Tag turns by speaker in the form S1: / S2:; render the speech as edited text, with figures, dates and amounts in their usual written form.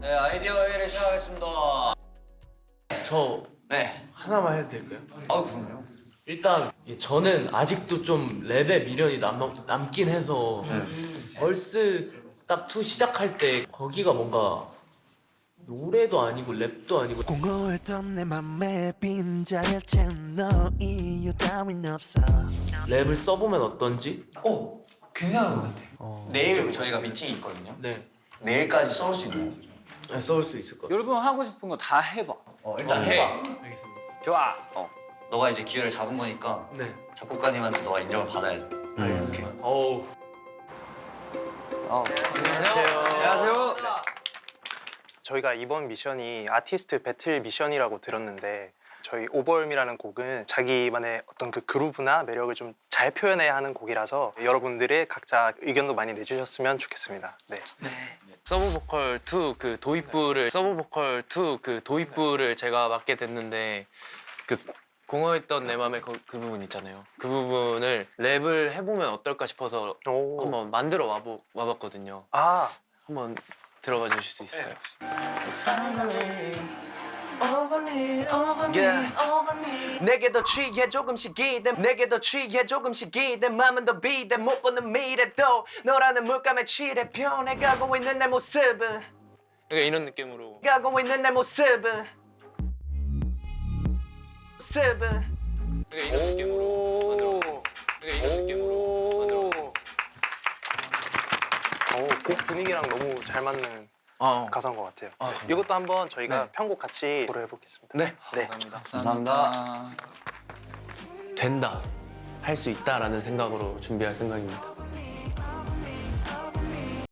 S1: 네, 아이디어 회의를 시작하겠습니다.
S2: 저
S1: 네.
S2: 하나만 해도 될까요?
S1: 아우, 그럼요.
S2: 일단 저는 아직도 좀 랩에 미련이 남긴 해서 얼스 딱 투 시작할 때 거기가 뭔가 노래도 아니고 랩도 아니고
S3: 공허했던 내 맘에 빈자리에 채운 너 이유 따윈 없어.
S2: 랩을 써보면 어떤지?
S1: 오, 괜찮은 것 같아요. 내일 저희가 미팅이 있거든요.
S2: 네,
S1: 내일까지 써올 수 있나요?
S2: 네, 써올 수 있을 것 같아요.
S4: 여러분 하고 싶은 거 다 해봐.
S1: 일단
S4: 오케이.
S1: 해봐.
S2: 알겠습니다.
S4: 좋아.
S1: 너가 이제 기회를 잡은 거니까
S2: 네,
S1: 작곡가님한테 너가 인정을 받아야 돼.
S2: 알겠습니다. 어우.
S4: 안녕하세요.
S5: 저희가 이번 미션이 아티스트 배틀 미션이라고 들었는데 저희 오버얼미라는 곡은 자기만의 어떤 그 그루브나 매력을 좀 잘 표현해야 하는 곡이라서 여러분들의 각자 의견도 많이 내주셨으면 좋겠습니다. 네.
S6: 서브 보컬 2 그 도입부를 제가 맡게 됐는데 그 공허했던 내 맘의 그 부분 있잖아요. 그 부분을 랩을 해보면 어떨까 싶어서
S5: 오.
S6: 한번 만들어 와봤거든요.
S5: 아,
S6: 한번 들어봐 주실 수 있을까요?
S7: 내게도 취해 조금씩 기대 내게도 취해 조금씩 기대 맘은 더 비대 못 보는 미래도 너라는 물감에 칠해 변해가고 있는 내 모습은
S6: 그러니까 이런 느낌으로
S7: 가고 있는 내 모습은
S6: 그러니까 이런 느낌으로 만들어 그러니까 이런 느낌으로 만들어
S5: 곡 분위기랑 너무 잘 맞는 가사인 것 같아요. 이것도 한번 저희가 편곡 같이 고려해보겠습니다.
S6: 네.
S5: 네.
S1: 감사합니다.
S6: 된다 할 수 있다라는 생각으로 준비할 생각입니다.